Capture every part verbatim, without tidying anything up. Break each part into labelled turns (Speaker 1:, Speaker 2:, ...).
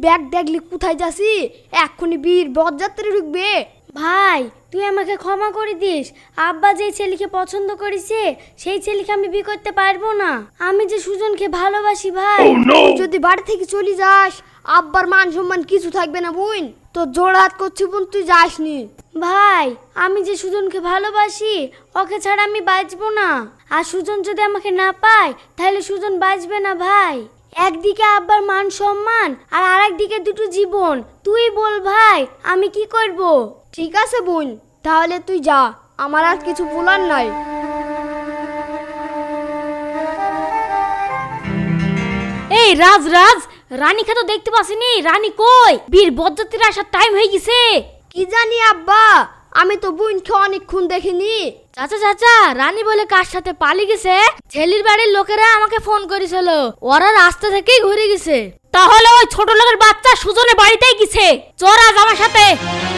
Speaker 1: Bag দেখলি কোথায় যাসি? এক্ষুনি বীর বরযাত্রী ঢুকবে।
Speaker 2: ভাই তুই আমাকে ক্ষমা করে দিস, আব্বা যে ছেলেকে পছন্দ করেছে সেই ছেলেকে আমি বিয়ে করতে পারবো না। আমি যে সুজনকে ভালোবাসি ভাই।
Speaker 1: তুই যদি বাড়ি থেকে চলে যাস আব্বার মান সম্মান কিছু থাকবে না বোন। তো জোড়হাত করছি বোন, তুই যাসনি।
Speaker 2: ভাই আমি যে সুজনকে ভালোবাসি ওকে ছাড়া আমি বাঁচবো না। আর সুজন যদি আমাকে না পায় তাহলে সুজন বাঁচবে না ভাই। একদিকে আব্বার মান সম্মান আর আরেকদিকে দুটো জীবন। তুই বল ভাই আমি কি করব?
Speaker 1: ঠিক আছে বোন, তাহলে তুই যা, আমার আর কিছু বলার নাই।
Speaker 3: এই রাজ রাজ রানীকে তো দেখতে পাসিনি, রানী কই? বীর বরযাত্রীর আসার টাইম হয়ে গেছে।
Speaker 1: কি জানি আব্বা, আমি তো বোনকে অনেকক্ষণ দেখিনি।
Speaker 3: চাচা চাচা রানী বলে কার সাথে পালিয়ে গেছে। ছেলের বাড়ির লোকেরা আমাকে ফোন করেছিল, ওরা রাস্তা থেকেই ঘুরে গেছে। তাহলে ওই ছোট লোকের বাচ্চা সুজনের বাড়িতেই গেছে। চল আজ আমার সাথে।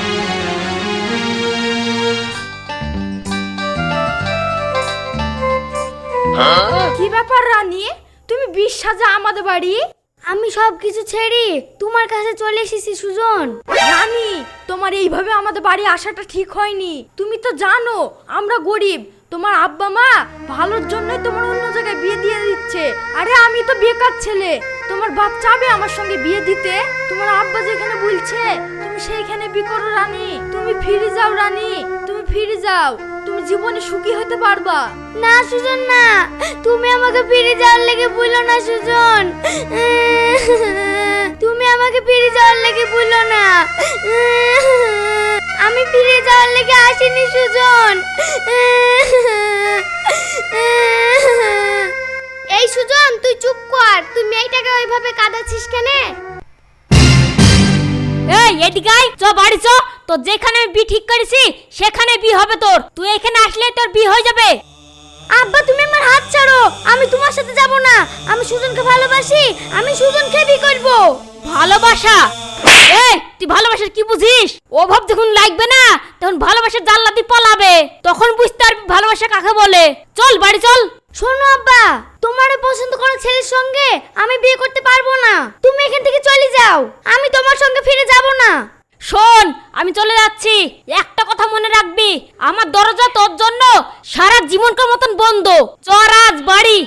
Speaker 1: কি ব্যাপার রানী, তুমি বিশ সাজা আমাদের বাড়ি?
Speaker 2: আমি সব কিছু ছেড়ে তোমার কাছে চলে এসেছি সুজন।
Speaker 1: রানী, তোমার এইভাবে আমাদের বাড়ি আসাটা ঠিক হয়নি। তুমি তো জানো আমরা গরিব, তোমার আব্বা মা ভালোর জন্যই তোমার অন্য জায়গায় বিয়ে দিয়ে দিচ্ছে। আরে আমি তো বেকার ছেলে, তোমার বাপ চাবে আমার সঙ্গে বিয়ে দিতে? তোমার আব্বা যেখানে বলছে তুমি সেইখানে বিয়ে করো রানী। তুমি ফিরে যাও রানী, তুমি ফিরে যাও, তুমি জীবনে সুখী হতে পারবা।
Speaker 2: না সুজন না, তুমি আমাকে ফিরে যাওয়ার লেগে বললো না সুজন। তুমি আমাকে ফিরে যাওয়ার লেগে বললো না। আমি ফিরে যাওয়ার লেগে আসিনি সুজন। এই সুজন তুই চুপ কর, তুই মেয়েটাকে ওইভাবে কাঁদাচ্ছিস কেন?
Speaker 3: এই এদিকে আয়, চ বাড়ি চ। তো যেখানে আমি বি ঠিক করেছি সেখানে বি হবে তোর। তুই এখানে আসলে তোর বি হয়ে যাবে।
Speaker 2: আব্বা তুমি আমার হাত ছাড়ো, আমি তোমার সাথে যাব না। আমি সুজনকে ভালোবাসি, আমি সুজনকে বিয়ে করব।
Speaker 3: ভালোবাসা? এই তুই ভালোবাসার কি বুঝিস? অভাব যখন লাগবে না তখন ভালোবাসার জানলা দিয়ে পালাবে, তখন বুঝতে পারবি ভালোবাসা কাকে বলে। চল বাড়ি চল।
Speaker 2: শোনো আব্বা, তোমার পছন্দ করা ছেলের সঙ্গে আমি বিয়ে করতে পারবো না। তুমি এখান থেকে চলে যাও, আমি তোমার সঙ্গে ফিরে যাব না।
Speaker 3: শোন আমি চলে যাচ্ছি, একটা কথা মনে রাখবি, আমার দরজা তোর জন্য সারা জীবনকার মতন বন্ধ। চল আজ বাড়ি।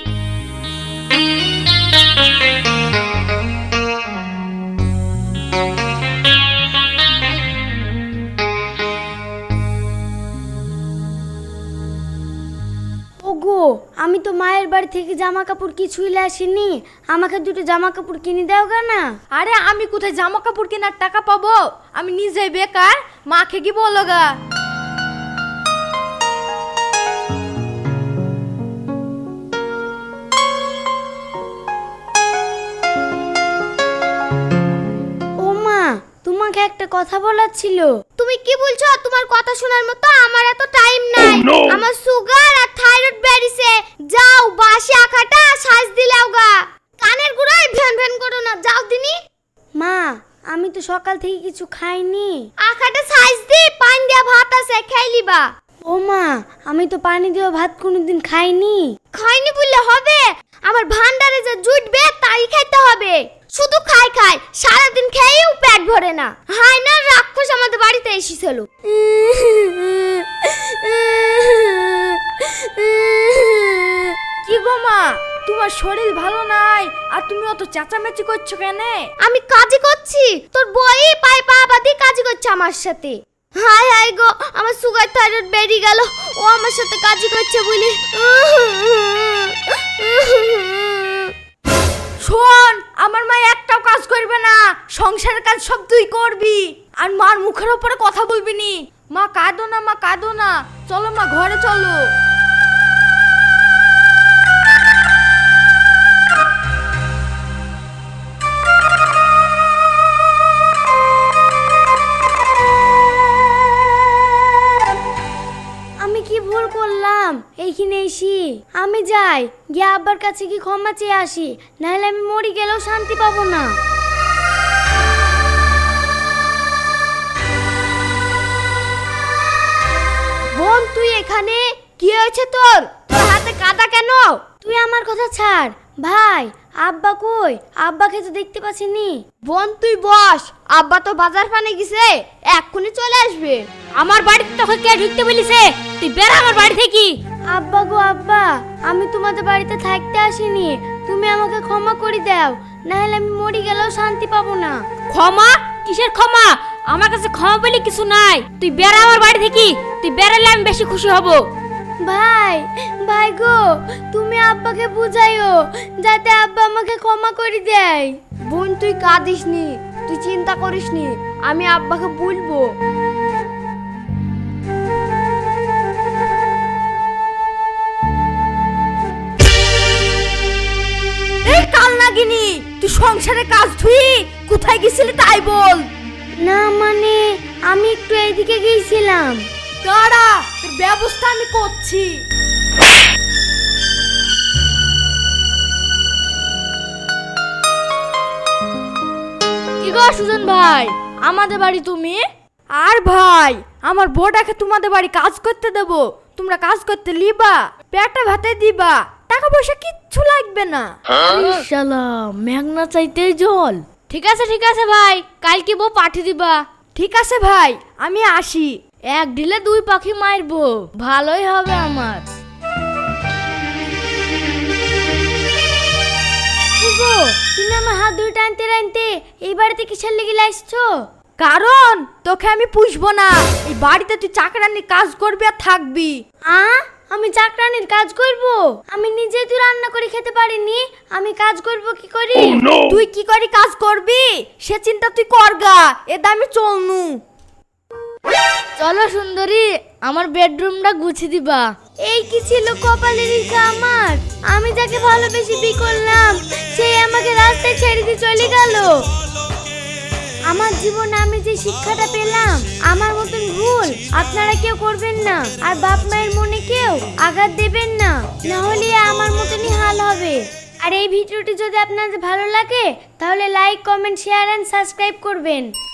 Speaker 2: ওগো আমি তো মায়ের বাড়ি থেকে জামা কাপড় কিছুই আসিনি, আমাকে দুটো জামা কাপড় কিনে দাও গা না।
Speaker 1: আরে আমি কোথায় জামা কাপড় কেনার টাকা পাবো? আমি নিজে বেকার, মাকে কি বলো গা।
Speaker 2: ও মা, তোমাকে একটা কথা বলার ছিল। তুমি কি বলছো? তোমার কথা শোনার মতো আমার এত টাইম নাই। আমার সুগার আর থাইরয়েড বেড়েছে। যাও বাসি আখাটা সাজ দিলাও গা। কানের গুড়ায় ভ্যান ভ্যান করো না, যাও দিনি। মা আমি তো সকাল থেকে কিছু খাইনি। আখাটা সাজ দি, পানি দিয়া ভাত আছে খাইলিবা। ও মা আমি তো পানি দিয়ে ভাত কোনোদিন খাইনি। খাইনি বললে হবে? আমার ভান্ডারে যে জুটবে তাই খাইতে হবে। শুধু খাই খাই, সারাদিন খেয়েও পেট ভরে না। হাই না রাক্ষস আমাদের বাড়িতে এসেছিল।
Speaker 1: কি গো মা, তোমার শরীর ভালো নাই আর তুমি অত চেঁচামেচি করছো কেন?
Speaker 2: আমি কাজই করছি, তোর বই পায়ে পা বাঁধি কাজই করছে আমার সাথে। হাই হাই গো, আমার সুগার থাইরয়েড বেড়ে গেল, ও আমার সাথে কাজই করছে বলি।
Speaker 1: শোন, আমার মা একটাও কাজ করবে না, সংসারের কাজ সব তুই করবি। আর মার মুখের উপরে কথা বলবি নি। মা কাঁদো না, মা কাঁদো না, চলো মা ঘরে চলো।
Speaker 2: আমি কি ভুল করলাম এইখানে এসি? আমি যাই, গিয়ে আব্বার কাছে কি ক্ষমা চেয়ে আসি, নাহলে আমি মরে গেলেও শান্তি পাবো না।
Speaker 1: বোন তুই এখানে? কি হয়েছে তোর? তোর হাতে কাদা কেন?
Speaker 2: তুই আমার কথা ছাড়, ভাই আব্বা কই? আব্বাকে তো দেখতে পাচ্ছিনি। বোন তুই বস, আব্বা তো বাজার পানে গেছে, এক্ষুনি চলে আসবে।
Speaker 3: আমার বাড়িতে তোকে কে ঢুকতে বলিছে? তুই বের হ আমার বাড়ি থেকে।
Speaker 2: আব্বা গো আব্বা, আমি তোমাদের বাড়িতে থাকতে আসিনি, তুমি আমাকে ক্ষমা করে দাও, না হলে আমি মরে গেলেও শান্তি পাবো না।
Speaker 3: ক্ষমা? কিসের ক্ষমা? আমার কাছে ক্ষমা বলে কিছু নাই। তুই বের হ আমার বাড়ি থেকে। তুই বেরালে আমি বেশি খুশি হব।
Speaker 2: ভাই ভাই গো, তুমি আব্বাকে বুঝাইও যাতে আব্বা আমাকে ক্ষমা করে দেয়। বোন তুই কাঁদিস নি, তুই চিন্তা করিস নি, আমি আব্বাকে বলবো।
Speaker 1: এই কাল নাগিনি, তুই সংসারে কাজ ধুই কোথায় গেছিলি তাই বল।
Speaker 2: না মানে আমি একটু এইদিকে গিয়েছিলাম।
Speaker 1: দাঁড়া, তোর ব্যবস্থা আমি করছি।
Speaker 3: কি গো সুজন ভাই, আমাদের বাড়ি তুমি?
Speaker 1: আর ভাই, আমার বউটাকে তোমাদের বাড়ি কাজ করতে দেব, তোমরা কাজ করতে লিবা, পেটে ভাতে দিবা, টাকা পয়সা কিচ্ছু লাগবে না।
Speaker 3: শালা মেঘনা চাইতেই জল। ঠিক আছে ঠিক আছে ভাই, কালকে বউ পাঠিয়ে দিবা।
Speaker 1: ঠিক আছে ভাই, আমি আসি।
Speaker 3: এক ঢিলে দুই পাখি মারবো, ভালোই হবে আমার।
Speaker 2: কি গো, তুমি আমার হাত ধরে টানতে টানতে এই বাড়িতে কিসের লেগে আসছো?
Speaker 1: কারণ তোকে আমি পুষবো না, এই বাড়িতে তুই চাকরানির কাজ করবি আর থাকবি।
Speaker 2: আ আমি চাকরানির কাজ করব? আমি নিজে তো রান্না করে খেতে পারিনি, আমি কাজ করব কি করি?
Speaker 1: তুই কি করে কাজ করবি সে চিন্তা তুই করগা, এ দামে চলনু।
Speaker 3: চলো সুন্দরী, আমার বেডরুমটা গুছিয়ে দিবা।
Speaker 2: এই কি ছিল কপালের রেখা আমার? আমি যাকে ভালোবেসে বিয়ে করলাম সে আমাকে রাস্তায় ছেড়ে দিয়ে চলে গেল। আমার জীবনে আমি যে শিক্ষাটা পেলাম, আমার মতন ভুল আপনারা কেউ করবেন না, আর বাপ মায়ের মনে কেউ আঘাত দেবেন না, না হলে আমার মতনই হাল হবে। আর এই ভিডিওটি যদি আপনাদের ভালো লাগে তাহলে like, comment, share and subscribe করবেন।